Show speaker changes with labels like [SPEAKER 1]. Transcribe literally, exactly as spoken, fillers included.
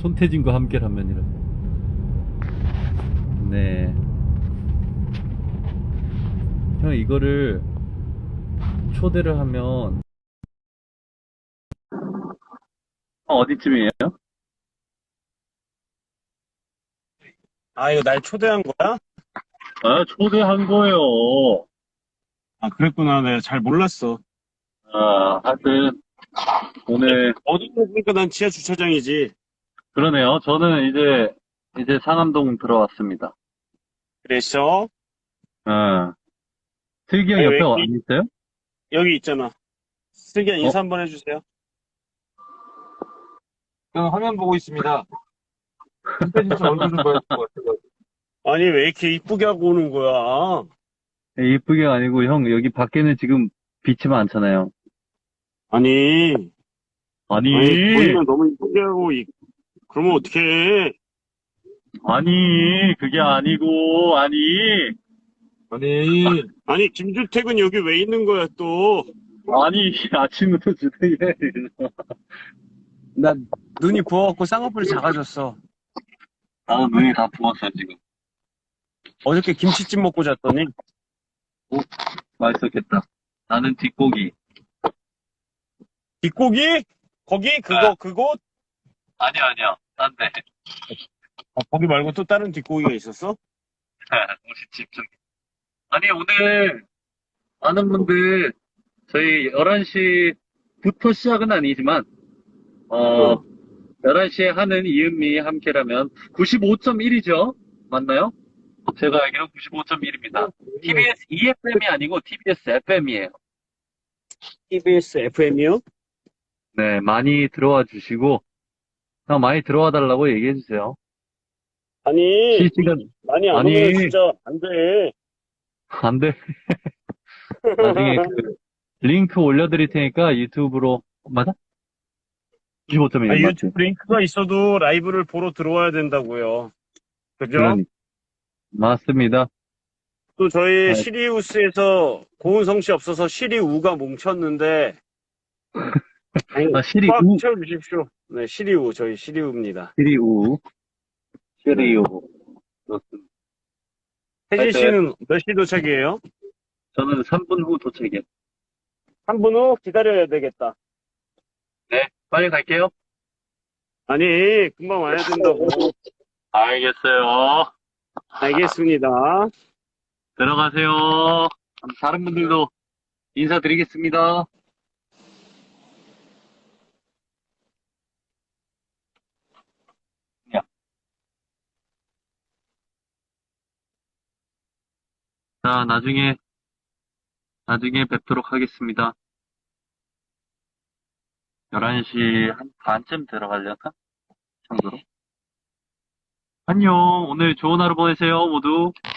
[SPEAKER 1] 손태진과 함께라면이라고. 네. 형, 이거를 초대를 하면 어, 어디쯤이에요?
[SPEAKER 2] 아, 이거 날 초대한 거야?
[SPEAKER 1] 아, 초대한 거예요.
[SPEAKER 2] 아, 그랬구나. 내가 잘 몰랐어.
[SPEAKER 1] 아, 하여튼 오늘
[SPEAKER 2] 어디 보니까 난 지하 주차장이지.
[SPEAKER 1] 그러네요. 저는 이제 이제 상암동 들어왔습니다.
[SPEAKER 2] 그래서,
[SPEAKER 1] 아, 슬기 형
[SPEAKER 2] 아니, 왜
[SPEAKER 1] 옆에 와
[SPEAKER 2] 이렇게,
[SPEAKER 1] 안 있어요?
[SPEAKER 2] 여기 있잖아. 슬기야,
[SPEAKER 1] 어,
[SPEAKER 2] 인사 한번 해주세요.
[SPEAKER 3] 저는 화면 보고 있습니다. 손태진 씨 얼굴 좀 봐야 될 것 같아요.
[SPEAKER 2] 아니, 왜 이렇게 이쁘게 하고 오는 거야?
[SPEAKER 1] 이쁘게 아니고 형 여기 밖에는 지금 빛이 많잖아요.
[SPEAKER 2] 아니, 아니,
[SPEAKER 1] 아니,
[SPEAKER 2] 보이면 너무 이쁘게 하고, 이- 그러면 어떡해.
[SPEAKER 1] 아니, 그게 아니고, 아니,
[SPEAKER 3] 아니,
[SPEAKER 2] 아니, 김주택은 여기 왜 있는 거야, 또?
[SPEAKER 1] 아니, 아침부터 주택이래.
[SPEAKER 2] 나 눈이 부어갖고 쌍꺼풀이 작아졌어.
[SPEAKER 1] 나도 눈이 다 부었어, 지금.
[SPEAKER 2] 어저께 김치찜 먹고 잤더니,
[SPEAKER 1] 오, 맛있었겠다. 나는 뒷고기.
[SPEAKER 2] 뒷고기? 거기? 그거, 그곳?
[SPEAKER 1] 아니야, 아니야. 딴 데.
[SPEAKER 2] 아, 거기 말고 또 다른 뒷고기가 있었어?
[SPEAKER 1] 우리 집 좀. 아니, 오늘 많은 분들, 저희 열한 시부터 시작은 아니지만, 어,
[SPEAKER 2] 어.
[SPEAKER 1] 열한 시에 하는 이은미 함께라면 구십오 점 일이죠? 맞나요? 제가 알기로 구십오 점 일입니다. 티비에스 이에프엠이 아니고 티비에스 에프엠이에요.
[SPEAKER 2] 티비에스 에프엠이요?
[SPEAKER 1] 네, 많이 들어와 주시고, 형 많이 들어와 달라고 얘기해 주세요.
[SPEAKER 2] 아니,
[SPEAKER 1] 실시간,
[SPEAKER 2] 많이 안
[SPEAKER 1] 아니,
[SPEAKER 2] 오면 진짜 안 돼.
[SPEAKER 1] 안 돼. 나중에 그 링크 올려드릴 테니까 유튜브로, 맞아? 구십오 점
[SPEAKER 2] 아,
[SPEAKER 1] 일 맞지?
[SPEAKER 2] 유튜브 링크가 있어도 라이브를 보러 들어와야 된다고요. 그죠?
[SPEAKER 1] 그러니, 맞습니다.
[SPEAKER 2] 또 저희
[SPEAKER 1] 아,
[SPEAKER 2] 시리우스에서 고은성 씨 없어서 시리우가 뭉쳤는데, 아니,
[SPEAKER 1] 아, 시리
[SPEAKER 2] 꽉
[SPEAKER 1] 우,
[SPEAKER 2] 채워주십시오. 네, 시리우, 저희 시리우입니다.
[SPEAKER 1] 시리 우, 시리
[SPEAKER 2] 네.
[SPEAKER 1] 우. 좋습니다.
[SPEAKER 2] 혜진
[SPEAKER 1] 하여튼,
[SPEAKER 2] 씨는 몇 시 도착이에요?
[SPEAKER 1] 저는 삼 분 후 도착이요.
[SPEAKER 2] 한 분 후 기다려야 되겠다.
[SPEAKER 1] 네, 빨리 갈게요.
[SPEAKER 2] 아니, 금방 와야 된다고.
[SPEAKER 1] 알겠어요.
[SPEAKER 2] 알겠습니다.
[SPEAKER 1] 들어가세요. 다른 분들도 인사드리겠습니다. 야. 자, 나중에, 나중에 뵙도록 하겠습니다. 열한 시 한 반쯤 들어가려나? 정도로. 안녕. 오늘 좋은 하루 보내세요, 모두.